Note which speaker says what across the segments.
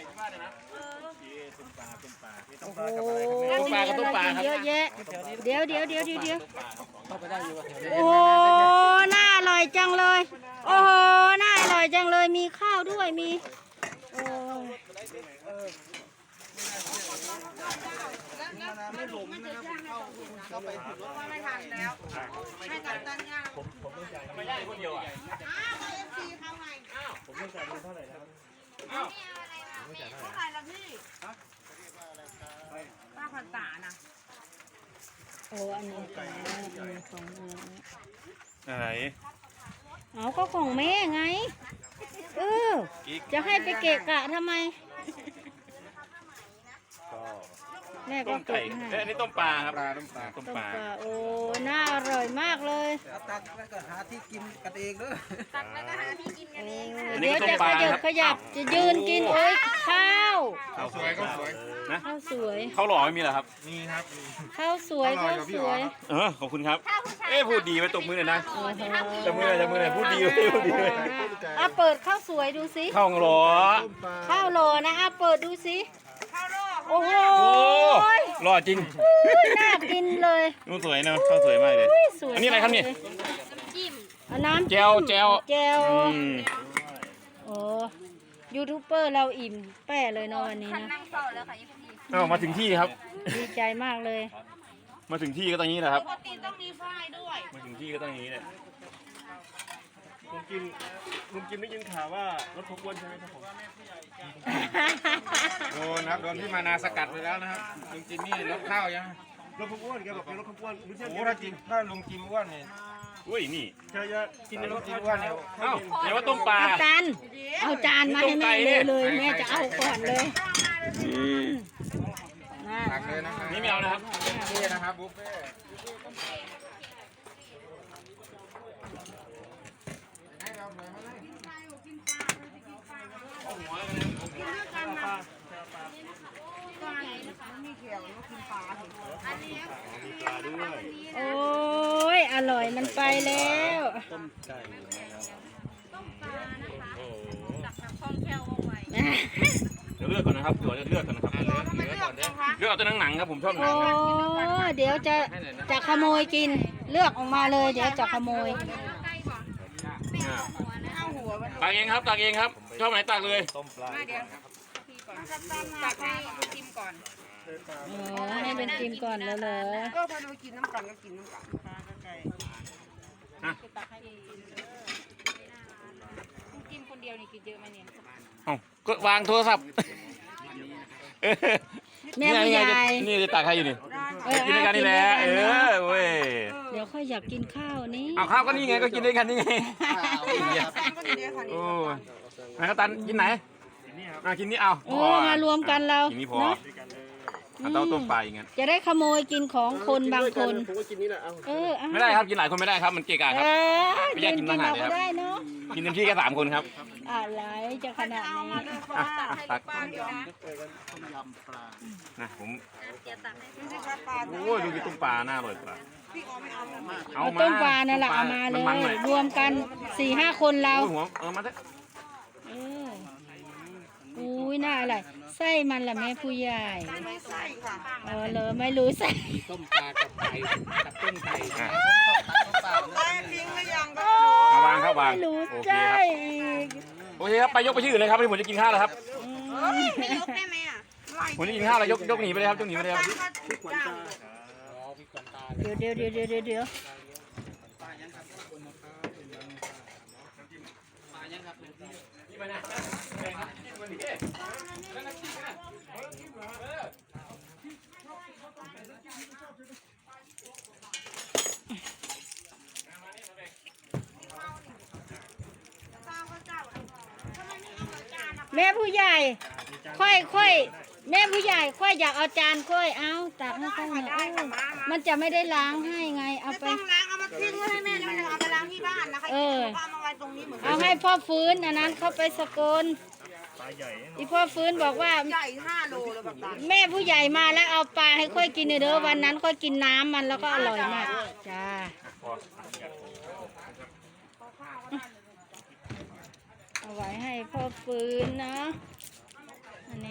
Speaker 1: โอ้โหมีอะไรกินเยอะแยะเดี๋ยวโอ้โหน่าอร่อยจังเลยโอ้โหน่าอร่อยจังเลยมีข้าวด้วยมีโอ้
Speaker 2: ไม่หลงนะครับเข้าไปถึงรถไม่ทันแล้วให้กับตันย่างผมไม่ได้คนเดียวอ่ะอ้าวเอฟซีเขาไงอ้าวผมไม่จ่ายเงินเท่าไหร่นะครับอ้าวเท่าไหร่ละพี่ป้าพันตานะ
Speaker 1: โอ้อันนี้ของ
Speaker 3: อะไร
Speaker 1: เอาก็ของแม่ไงจะให้ไปเกะกะทำไมแม่ก็เก็บให้
Speaker 3: อันนี้ต้มปลาครับต้มปลา
Speaker 1: โอ้น่าอร่อยมากเลย
Speaker 2: ตักแล้วก็หาที่กินกันเองเด้อตักแล้วก็หาที่กินกันเอง
Speaker 1: เดี๋ยวจะขยับจะยืนกินโอ้ยข้าว
Speaker 3: สวยนะ
Speaker 1: ข้าวสวย
Speaker 3: ข้าวหล่อไม่มีเหรอครับ
Speaker 2: มีครับ
Speaker 1: ข้าวสวย
Speaker 3: ขอบคุณครับพูดดีไปตบมือหน่อยนะจับมือหน่อยพูดดีเลย
Speaker 1: เปิดข้าวสวยดูสิ
Speaker 3: ข้าวหล่อ
Speaker 1: นะเปิดดูสิโอ้โห
Speaker 3: หล่อจริง
Speaker 1: น่ากินเลย
Speaker 3: นูสวยนะข้าวสวยมากเลยอันนี้อะไรครับเนี่ย
Speaker 1: น้ำ
Speaker 3: แจว
Speaker 1: โอ้ยูทูบเบอร์เราอิ่มแป้เลยเนาะวันนี้นะ
Speaker 3: มาถึงที่ครับ
Speaker 1: ดีใจมากเลย
Speaker 3: มาถึงที่ก็ตรงนี้แหละครับ
Speaker 2: ปกติต้องมีฝ้ายด้วย
Speaker 3: มาถึงที่ก็ตรงนี้เลยลุงกินได้ยินข่าวว่ารถพกอ้วนใช่ไหมครับผมโดนครับโดนพี่มานาสกัดไปแล้วนะครับลุงจิมนี่รถข้าวยัง
Speaker 4: รถพกอ้วนแกบอกเป็นรถพกอ้วน
Speaker 3: โอ้ถ้าลุงจิมอ้วนเนี่ยอุ้ยนี่
Speaker 4: จะกินในรถ
Speaker 3: จิมอ้วนเนี่ยเดี๋ยวว่าต้มปลา
Speaker 1: เอาจานมาให้แม่เลยแม่จะเอาก่อนเลย
Speaker 3: ตักเลยนะครับนี่ไม่เอานะครับนี่นะครับบุฟเฟ่
Speaker 1: โอ้ยอร่อยมันไปแล้ว
Speaker 3: ต้มไก่นะครับ
Speaker 2: ต้มปลานะคะจากทางคลองแคลวเอาไว้
Speaker 3: เดี๋ยวเลือกก่อนนะครับเลือกก่อนนะครับเลือกเอาตัวหนังครับผมชอบหนัง
Speaker 1: เดี๋ยวจะขโมยกินเลือกออกมาเลยเดี๋ยวจะขโมย
Speaker 3: ตักเองครับชอบไหนตักเลย
Speaker 4: ต้มปลา
Speaker 2: เดี๋ยวตักให้ดูจิ้มก่อน
Speaker 1: ให้เป็นจิ้มก่อนแล้วเลย
Speaker 2: ก็พอดูกินน้ำกันก็กินน้ำกันปลาไก่กินคนเดียวนี่กินเยอะไหมเนี่ย
Speaker 3: ก็วางโทรศัพท์
Speaker 1: แม่ผู้ใหญ่
Speaker 3: นี่จะตักให้อยู่นี่กินด้วยกันนี่แหละเว้ย
Speaker 1: เดี๋ยวค่อยอยากกินข้าวนี่
Speaker 3: เอาข้าวก็นี่ไงก็กินด้วยกันนี่ไงโอ้ไหนก็ตันกินไหนกินนี่เอา
Speaker 1: มารวมกันเรา
Speaker 3: กินนี่พอเอาต้มปลาอย่างเงี้ย
Speaker 1: จะได้ขโมยกินของคนบางคน
Speaker 4: ผมก็กินนี่แหละ
Speaker 3: ไม่ได้ครับกินหลายคนไม่ได้ครับมันเกะกะครับไม่อยากกินอาหารเลยครับกินเต็มที่แค่3 คนครับ
Speaker 1: อะไรจะขนาดนี้
Speaker 3: ตักนะผมโอ้ยดูกินต้มปลาหน้าอร่อยกว่า
Speaker 1: เอาต้มปลานั่นแหละเอามาเลยรวมกัน 4-5 คนเรา
Speaker 3: มาเถอะ
Speaker 1: อุ้ยน่าอะไรไส้มันละแม่ผู้ใหญ่
Speaker 2: ไม่ใส่ค่ะ
Speaker 1: เลยไม่รู้ใส่
Speaker 4: ต้มปลากับไก่กับต้มไก่
Speaker 2: ได้ทิ้งหรือยังก็
Speaker 3: วางครับวาง
Speaker 1: โอเค
Speaker 3: ครับไปยกไปที่อื่นเลยครับผมจะกินข้าวแล้วครับ
Speaker 2: ไม่ยกได้ไหมอ่ะ
Speaker 3: ผมจะกินข้าวแล้วยกหนีไปเลยครับยกหนีไปเลยครับ
Speaker 1: เดี๋ยวแม่ผู้ใหญ่ค่อยแม่ผู้ใหญ่ค่อยอยากเอาจานค่อยเอาตักให้ค่อยหน่อยมันจะไม่ได้ล้างให้ไงเอาไป
Speaker 2: ล้างเอามาทิ้งไว้ให้แม่แล้วเอาไปล้างที่บ้านนะคะเอามาไว้ตรงนี้เหมือน
Speaker 1: เอาให้พ่อฟื้นอันนั้นเข้าไปสกลอีพ่อฟื้นบอกว่า
Speaker 2: ใหญ่5 โลเลยแบบนั้น
Speaker 1: แม่ผู้ใหญ่มาแล้วเอาปลาให้ค่อยกินเด้อวันนั้นค่อยกินน้ำมันแล้วก็อร่อยมากจ้าเอาไว้ให้พ่อฟื้นนะอัน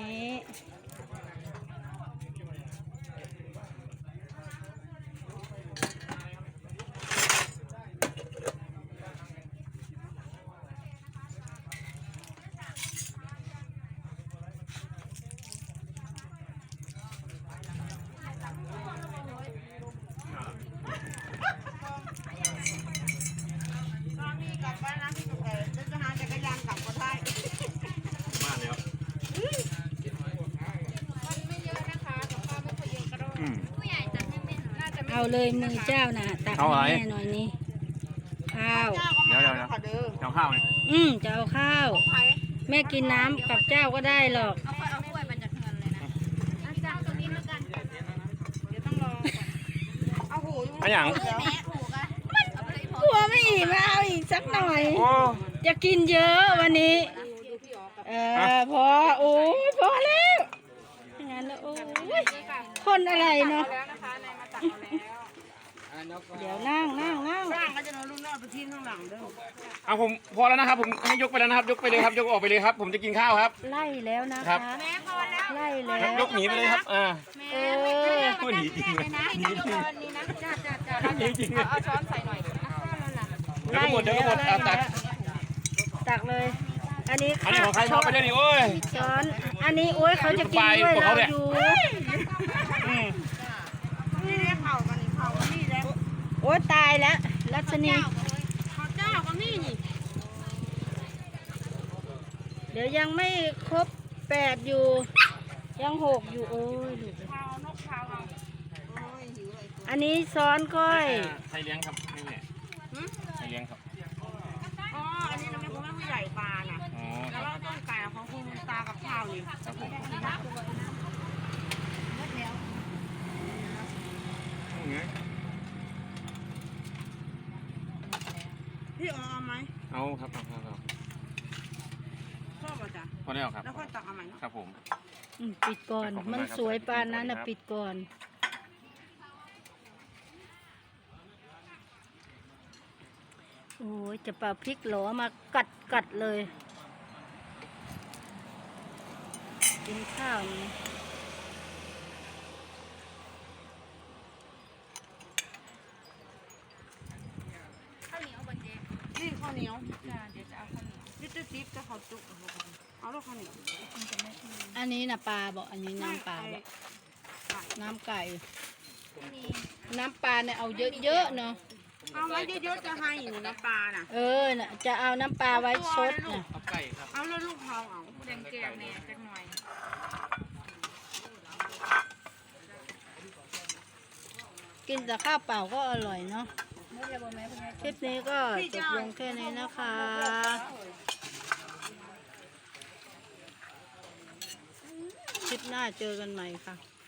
Speaker 1: เอาเลยมือเจ้าน่ะตักให้แม่หน่อยนี่ข้าว
Speaker 2: เดี๋ยวขอเด้อ
Speaker 3: เอาข้าวเนี่ย
Speaker 1: จะเอาข้าว แม่กินน้ำกับเจ้าก็ได้หรอก
Speaker 2: เอาถ้วยมันจะเงินเลยนะเจ้าตรงนี้แล้วกันเดี๋ยวต้องรอเอาหู
Speaker 3: อันอย่าง
Speaker 2: แม่หูกันเอาไปเลยพอก
Speaker 1: ลัวไม่อิ่มเอาอีกสักหน่อย
Speaker 3: โอ้
Speaker 1: จะกินเยอะวันนี้ พอโอ้ยพอแล้วอย่างนั้นแล้วโอ้ยคนอะไรเนาะ
Speaker 2: แล้วนะคะนายมาตักเอาแล้ว
Speaker 1: เดี๋ยวนั่ง
Speaker 2: ร่างก็จะนอนรุ่นนอกไปทิ้งข้างหลังเด้อ
Speaker 3: เอาผมพอแล้วนะครับผมให้ยกไปแล้วนะครับยกไปเลยครับยกออกไปเลยครับ ผมจะกินข้าวครับ
Speaker 1: ไล่แล้วนะ
Speaker 3: ครั
Speaker 1: คะ
Speaker 3: บ
Speaker 2: แม่พอแล้ว
Speaker 1: ไล่แล้ว
Speaker 3: ยกหนีไปเลยครับ
Speaker 1: เออ
Speaker 3: พูดหนีจริงเลย
Speaker 2: นะ
Speaker 3: หนีจริง
Speaker 2: นี่นะจ้า
Speaker 3: หนีจริงเลย
Speaker 2: เอาช้อนใส่หน่อยนะ
Speaker 3: เดี๋ยวก็หมดเอาตัก
Speaker 1: ตักเลย อันนี้
Speaker 3: อันนี้ของใครมอบไปเลยนี่โอ้ย
Speaker 1: ช้อน อันนี้โอ้ยเขาจะกินด้วย
Speaker 3: ของ
Speaker 1: เรา
Speaker 3: เขาเนี่ย
Speaker 1: อยู่
Speaker 2: นี่เรียกเข่ากันนี่เข่ากันนี่แล้ว
Speaker 1: โอ้ยตายแล้วรัชนี
Speaker 2: ข้าวเจ้ากันนี่นี่
Speaker 1: เดี๋ยวยังไม่ครบ8อยู่ ยัง6อยู่โอ้ยดูสิ
Speaker 2: ข้าวนกข้าวเอาโอ้ยหิวเลย
Speaker 1: อันนี้ซ้อนก้อย
Speaker 3: ใครเลี้ยงครับนี่เนี่ยใครเลี้ยงครับ
Speaker 2: อ๋ออันนี้เราไม่คุณแม่ผู้ใหญ่ปลาน่ะ
Speaker 3: อ๋อค
Speaker 2: แล้
Speaker 3: รั
Speaker 2: ว
Speaker 3: บ
Speaker 2: ก็ต้นไก่ของคุณตากับข้าวนี่
Speaker 3: ครับผม
Speaker 2: พี่อ๋อเอาไหม
Speaker 3: เอาครับเอาครับ
Speaker 2: ชอบป่ะจ๊ะ
Speaker 3: พอแล้วครับ
Speaker 2: แล้วค่อยตักเอาใหม่เนาะ
Speaker 3: ครับผม
Speaker 1: ปิดก่อน มันสวยปานนั้นนะปิดก่อน โอ้ยจะเป่าพริกหลอมากัดเลย กินข้าวนี่
Speaker 2: นี่ข้าวเหนียวจ้าเดี๋ยวจะเอาข้าวเหนียวนี่ติ๊บจะข้าวจุกเอาแล้วข้าวเหนียว
Speaker 1: อันนี้นะปลาบอกอันนี้น้ำปลาบอกน้ำไก่ น้ำปลาเนี่ยเอาเยอะๆเนาะ
Speaker 2: เอาไว้เยอะๆจะให้อยู่นะปลาน่ะ
Speaker 1: น่ะจะเอาน้ำปลาไว้ซดนะ
Speaker 3: เอาไก่ครับ
Speaker 2: เอาแล้วลูกเผาเอาแดงแก้วเนี่ยจักหน่อย
Speaker 1: กินแต่ข้าวเปล่าก็อร่อยเนาะคลิปนี้ก็จบลงแค่นี้นะคะ คลิปหน้าเจอกันใหม่ค่ะ